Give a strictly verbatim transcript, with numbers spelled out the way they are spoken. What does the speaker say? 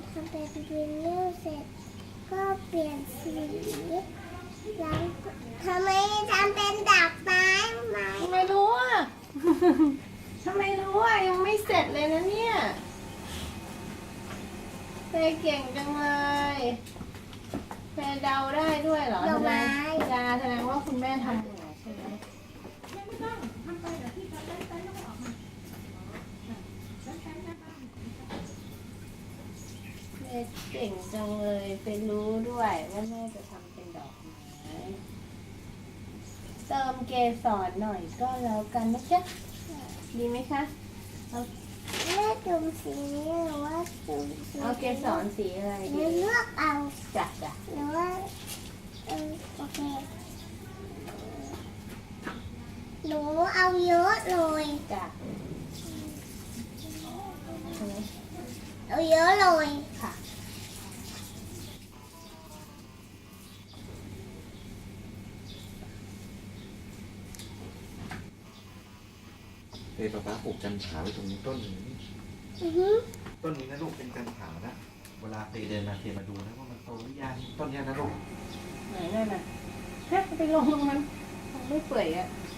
ทำเป็นวินเนอร์เสร็จก็เปลี่ยนสีแล้วทำไมทำเป็นดอกไม้ไหมไม่รู้อ่ะ ทำไมรู้อ่ะยังไม่เสร็จเลยนะเนี่ยเฟยเก่งจังเลยเฟยเดาได้ด้วยเหรอดอกไม้ดาแสดงว่าคุณแม่ทำเหนื่อยใช่ไหมเฟยเก่งจังเลยเฟยรู้ด้วยว่าแม่จะทำเป็นดอกไม้เติมเกสรหน่อยก็แล้วกันนะจ๊ะดีไหมคะเอาแม่จุ่มสีนี้หรือว่าจุ่มสีเอาเกสรสีอะไรหดีรือเลือกเอาจ้ะจ้ะหรือว่าเออโอเคหนูเอาเยอะเลยจ้ะเอาเยอะเลยค่ะเฮ้ยป๊าป๊าปลูกจันผาไว้ตรงนี้ต้นหนึงนี่อือฮึต้นนี้นะลูกเป็นจันผานะเวลาเตเดินมาเตมาดูนะว่ามันโตหรือยังต้นเนี้ยนะลูกไหนนั่นน่ะฮะไปลงตรงนั้นคงไม่เปื่อยอ่ะ